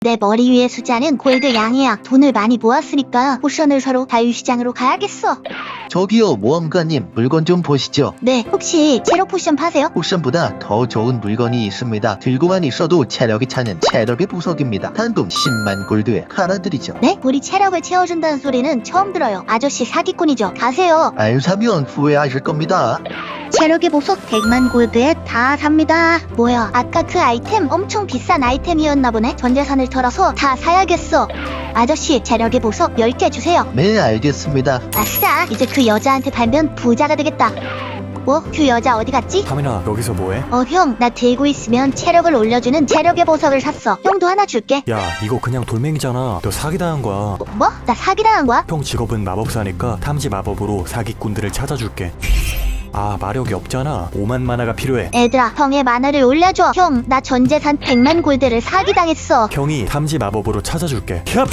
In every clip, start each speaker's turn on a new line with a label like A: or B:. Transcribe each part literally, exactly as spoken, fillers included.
A: 내 머리 위에 숫자는 골드 양이야. 돈을 많이 모았으니까 포션을 사러 자유시장으로 가야겠어.
B: 저기요 모험가님, 물건 좀 보시죠.
A: 네, 혹시 체력 포션 파세요?
B: 포션보다 더 좋은 물건이 있습니다. 들고만 있어도 체력이 차는 체력의 보석입니다. 단돈 십만 골드에 하나드리죠.
A: 네? 우리 체력을 채워준다는 소리는 처음 들어요. 아저씨 사기꾼이죠. 가세요.
B: 안 사면 후회하실 겁니다.
A: 체력의 보석 백만 골드에 다 삽니다. 뭐야, 아까 그 아이템 엄청 비싼 아이템이었나 보네. 전 재산을 털어서 다 사야겠어. 아저씨, 체력의 보석 열 개 주세요.
B: 네, 알겠습니다.
A: 아싸, 이제 그 여자한테 팔면 부자가 되겠다. 뭐? 그 여자 어디 갔지?
C: 하민아, 여기서 뭐해?
A: 어, 형, 나 들고 있으면 체력을 올려주는 체력의 보석을 샀어. 형도 하나 줄게.
C: 야, 이거 그냥 돌멩이잖아. 너 사기당한 거야.
A: 뭐? 뭐? 나 사기당한 거야?
C: 형 직업은 마법사니까 탐지 마법으로 사기꾼들을 찾아줄게. 아, 마력이 없잖아. 오만 마나가 필요해.
A: 애들아, 형의 만화를 올려줘. 형, 나 전재산 백만 골드를 사기당했어.
C: 형이 탐지 마법으로 찾아줄게. 캡!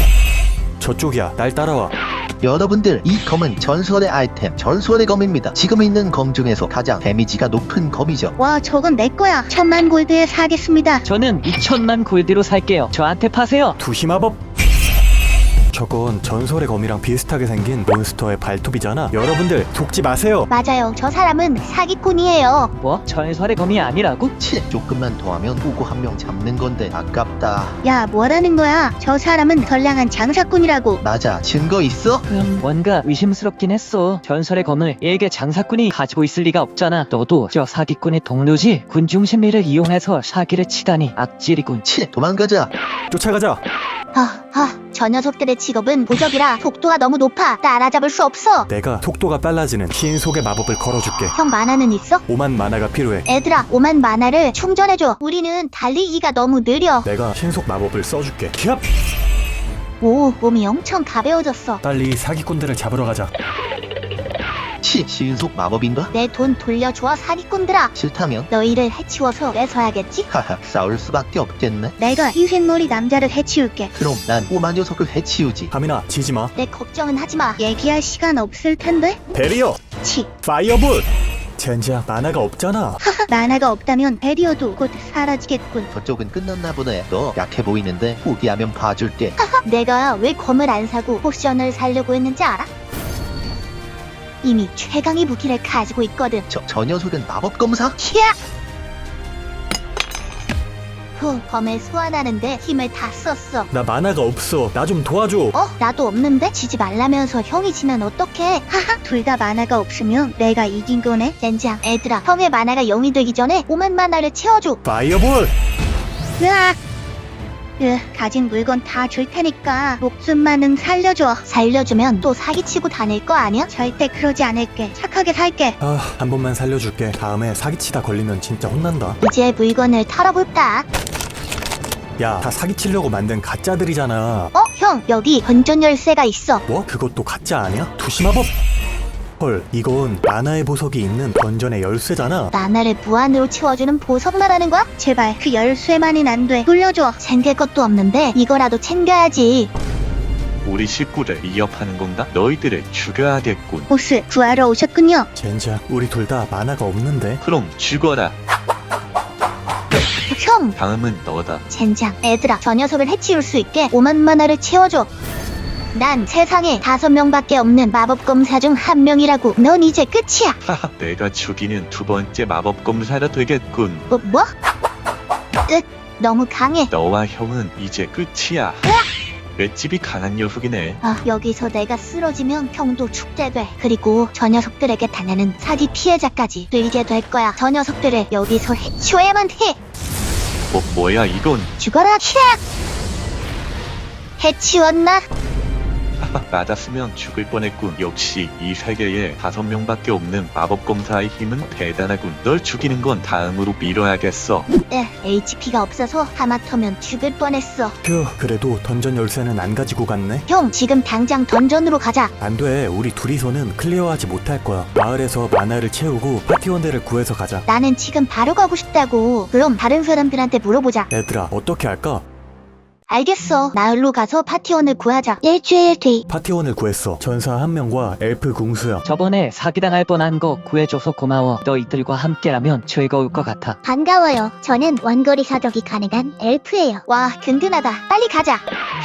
C: 저쪽이야. 날 따라와.
B: 여러분들, 이 검은 전설의 아이템, 전설의 검입니다. 지금 있는 검 중에서 가장 데미지가 높은 검이죠.
A: 와, 저건 내 거야. 천만 골드에 사겠습니다.
D: 저는 이천만 골드로 살게요. 저한테 파세요.
C: 두시 마법. 저건 전설의 검이랑 비슷하게 생긴 몬스터의 발톱이잖아. 여러분들 속지 마세요.
A: 맞아요. 저 사람은 사기꾼이에요.
D: 뭐? 전설의 검이 아니라고?
B: 치, 조금만 더 하면 보고 한 명 잡는 건데 아깝다.
A: 야, 뭐라는 거야? 저 사람은 선량한 장사꾼이라고.
B: 맞아, 증거 있어?
D: 음, 뭔가 의심스럽긴 했어. 전설의 검을 일개 장사꾼이 가지고 있을 리가 없잖아. 너도 저 사기꾼의 동료지? 군중 심리를 이용해서 사기를 치다니 악질이군.
B: 치, 도망가자.
C: 쫓아가자.
A: 하, 하, 저 녀석들의 직업은 도적이라 속도가 너무 높아. 따라잡을 수 없어.
C: 내가 속도가 빨라지는 신속의 마법을 걸어줄게.
A: 형 만화는 있어?
C: 오만 마나가 필요해.
A: 애들아, 오만 만화를 충전해줘. 우리는 달리기가 너무 느려.
C: 내가 신속 마법을 써줄게. 캡!
A: 오, 몸이 엄청 가벼워졌어.
C: 빨리 사기꾼들을 잡으러 가자.
B: 치, 신속 마법인가?
A: 내 돈 돌려줘, 사기꾼들아.
B: 싫다면?
A: 너희를 해치워서 뺏어야겠지?
B: 하하, 싸울 수밖에 없겠네.
A: 내가 흰색머리 남자를 해치울게.
B: 그럼 난 꼬마 녀석을 해치우지.
C: 하민아, 지지마.
A: 내 걱정은 하지마. 얘기할 시간 없을 텐데?
C: 베리어!
A: 치,
C: 파이어볼! 젠장, 만화가 없잖아.
A: 만화가 없다면 베리어도 곧 사라지겠군.
B: 저쪽은 끝났나 보네. 너 약해 보이는데 포기하면 봐줄게.
A: 내가 왜 검을 안 사고 포션을 사려고 했는지 알아? 이미 최강의 무기를 가지고 있거든.
B: 저, 저 녀석은 마법 검사?
A: 히야! 후, 검을 소환하는데 힘을 다 썼어.
C: 나 만화가 없어. 나 좀 도와줘.
A: 어? 나도 없는데? 지지 말라면서 형이 지면 어떡해? 하하, 둘 다 만화가 없으면 내가 이긴 거네. 젠장, 애들아, 형의 만화가 영이 되기 전에 오만 만화를 채워줘.
C: 파이어볼!
A: 으악! 으, 가진 물건 다 줄 테니까 목숨만은 살려줘. 살려주면 또 사기치고 다닐 거 아니야? 절대 그러지 않을게. 착하게 살게.
C: 아, 한 번만 살려줄게. 다음에 사기치다 걸리면 진짜 혼난다.
A: 이제 물건을 털어볼까?
C: 야, 다 사기치려고 만든 가짜들이잖아.
A: 어? 형, 여기 던전 열쇠가 있어.
C: 뭐? 그것도 가짜 아니야? 두시마법? 헐, 이건 만화의 보석이 있는 던전의 열쇠잖아.
A: 만화를 무한으로 채워주는 보석 말하는 거야? 제발 그 열쇠만은 안 돼. 돌려줘. 챙길 것도 없는데 이거라도 챙겨야지.
E: 우리 식구를 위협하는 건가? 너희들을 죽여야겠군.
A: 보스 구하러 오셨군요.
C: 젠장, 우리 둘 다 만화가 없는데.
E: 그럼 죽어라.
A: 형!
E: 다음은 너다.
A: 젠장, 애들아, 저 녀석을 해치울 수 있게 오만 만화를 채워줘. 난 세상에 다섯 명밖에 없는 마법검사 중 한 명이라고. 넌 이제 끝이야.
E: 하하, 내가 죽이는 두 번째 마법 검사가 되겠군.
A: 뭐? 뭐? 으, 너무 강해.
E: 너와 형은 이제 끝이야. 맷집이 강한 녀석이네.
A: 아, 여기서 내가 쓰러지면 형도 축제 돼. 그리고 저 녀석들에게 당하는 사기 피해자까지 들게 될 거야. 저 녀석들을 여기서 해치워야만 해.
E: 뭐, 뭐야 이건.
A: 죽어라, 히악! 해치웠나?
E: 하하, 맞았으면 죽을 뻔했군. 역시 이 세계에 다섯 명밖에 없는 마법 검사의 힘은 대단하군. 널 죽이는 건 다음으로 미뤄야겠어.
A: 에, 에이치피가 없어서 하마터면 죽을 뻔했어.
C: 휴, 그래도 던전 열쇠는 안 가지고 갔네.
A: 형, 지금 당장 던전으로 가자.
C: 안 돼, 우리 둘이서는 클리어하지 못할 거야. 마을에서 만화를 채우고 파티원들을 구해서 가자.
A: 나는 지금 바로 가고 싶다고. 그럼 다른 사람들한테 물어보자.
C: 얘들아, 어떻게 할까?
A: 알겠어. 마을로 가서 파티원을 구하자. 일주일 뒤.
C: 파티원을 구했어. 전사 한 명과 엘프 궁수야.
D: 저번에 사기당할 뻔한 거 구해줘서 고마워. 너희들과 함께라면 즐거울 것 같아.
A: 반가워요. 저는 원거리 사격이 가능한 엘프예요. 와, 든든하다. 빨리 가자.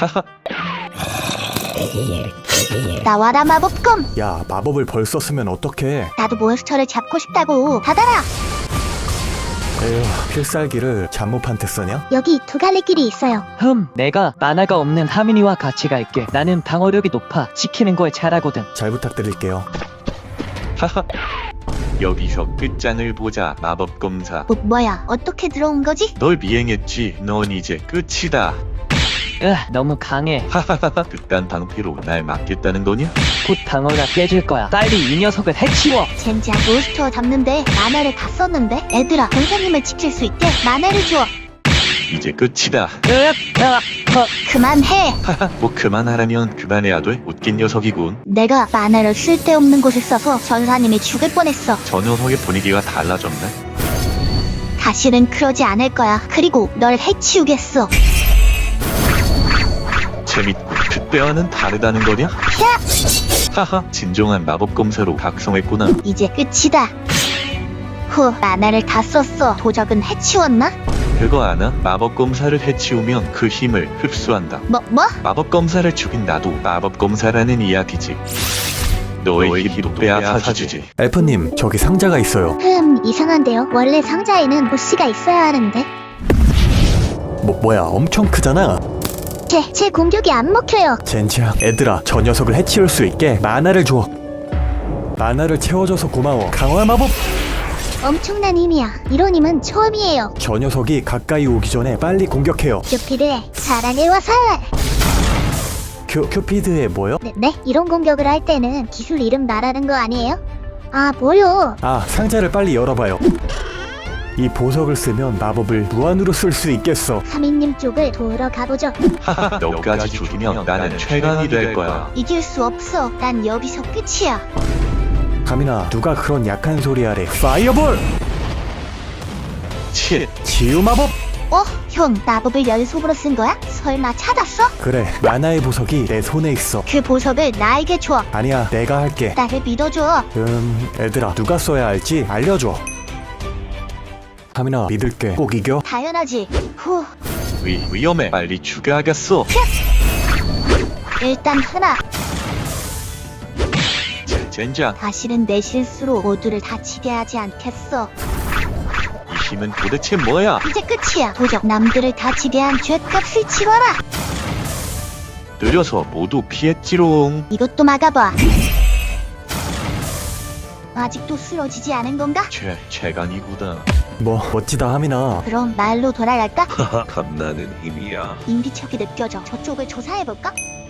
A: 나와라 마법검.
C: 야, 마법을 벌써 쓰면 어떡해.
A: 나도 몬스터를 잡고 싶다고. 받아라.
C: 에휴, 필살기를 잠못한테 쓰냐?
A: 여기 두 갈래 길이 있어요.
D: 흠, 내가 만화가 없는 하민이와 같이 갈게. 나는 방어력이 높아. 지키는 거에 잘하거든.
C: 잘 부탁드릴게요.
E: 하하. 여기서 끝장을 보자. 마법 검사.
A: 뭐, 뭐야? 어떻게 들어온 거지?
E: 널 미행했지. 넌 이제 끝이다.
D: 으, 너무 강해.
E: 하하하하. 그딴 방패로 날 막겠다는 거냐?
D: 곧 방어가 깨질 거야. 빨리 이 녀석을 해치워.
A: 젠장, 몬스터 잡는데 만화를 다 썼는데? 얘들아, 선생님을 지킬 수 있게 만화를 줘.
E: 이제 끝이다.
D: 으악, 으악, 헉.
A: 그만해.
E: 하하. 뭐 그만하라면 그만해야 돼. 웃긴 녀석이군.
A: 내가 만화를 쓸데없는 곳에 써서 전사님이 죽을 뻔했어.
E: 저 녀석의 분위기가 달라졌네.
A: 다시는 그러지 않을 거야. 그리고 널 해치우겠어.
E: 재밌고 그때와는 다르다는 거냐? 하하. 진정한 마법 검사로 각성했구나.
A: 이제 끝이다. 후, 만화를 다 썼어. 도적은 해치웠나?
E: 그거 아나? 마법 검사를 해치우면 그 힘을 흡수한다.
A: 뭐, 뭐?
E: 마법 검사를 죽인 나도 마법 검사라는 이야기지. 너의 힘도 빼앗아주지.
C: 엘프님, 저기 상자가 있어요.
A: 흠, 이상한데요. 원래 상자에는 보스가 있어야 하는데.
C: 뭐, 뭐야, 엄청 크잖아.
A: 제, 제 공격이 안 먹혀요.
C: 젠장, 애들아, 저 녀석을 해치울 수 있게 만화를 줘. 만화를 채워줘서 고마워. 강화 마법!
A: 엄청난 힘이야. 이런 힘은 처음이에요.
C: 저 녀석이 가까이 오기 전에 빨리 공격해요.
A: 큐피드의 사랑의 화살.
C: 큐, 큐피드의 뭐요?
A: 네, 네? 이런 공격을 할 때는 기술 이름 말하는 거 아니에요? 아, 뭐요?
C: 아, 상자를 빨리 열어봐요. 이 보석을 쓰면 마법을 무한으로 쓸 수 있겠어.
A: 하민님 쪽을 도우러 가보죠.
E: 하하. 너까지 죽이면 나는 최강이 될 거야.
A: 이길 수 없어. 난 여기서 끝이야.
C: 가민아, 누가 그런 약한 소리 하래. 파이어볼!
E: 치.
C: 치유 마법!
A: 어? 형, 마법을 연속으로 쓴 거야? 설마 찾았어?
C: 그래, 만화의 보석이 내 손에 있어.
A: 그 보석을 나에게 줘.
C: 아니야, 내가 할게.
A: 나를 믿어줘.
C: 음, 애들아, 누가 써야 할지 알려줘. 가민아, 믿을게. 꼭 이겨.
A: 당연하지. 후,
E: 위, 위험해. 빨리 죽여야겠어.
A: 일단 하나.
E: 제- 젠장.
A: 다시는 내 실수로 모두를 다치게 하지 않겠어.
E: 이 힘은 도대체 뭐야?
A: 이제 끝이야. 도적 남들을 다치게 한 죗값을 치러라.
E: 느려서 모두 피했지롱.
A: 이것도 막아봐. 아직도 쓰러지지 않은 건가?
E: 최, 최강이구나.
C: 뭐, 멋지다, 하민아.
A: 그럼 말로 돌아갈까?
E: 하하. 겁나는 힘이야.
A: 인비척이 느껴져. 저쪽을 조사해볼까?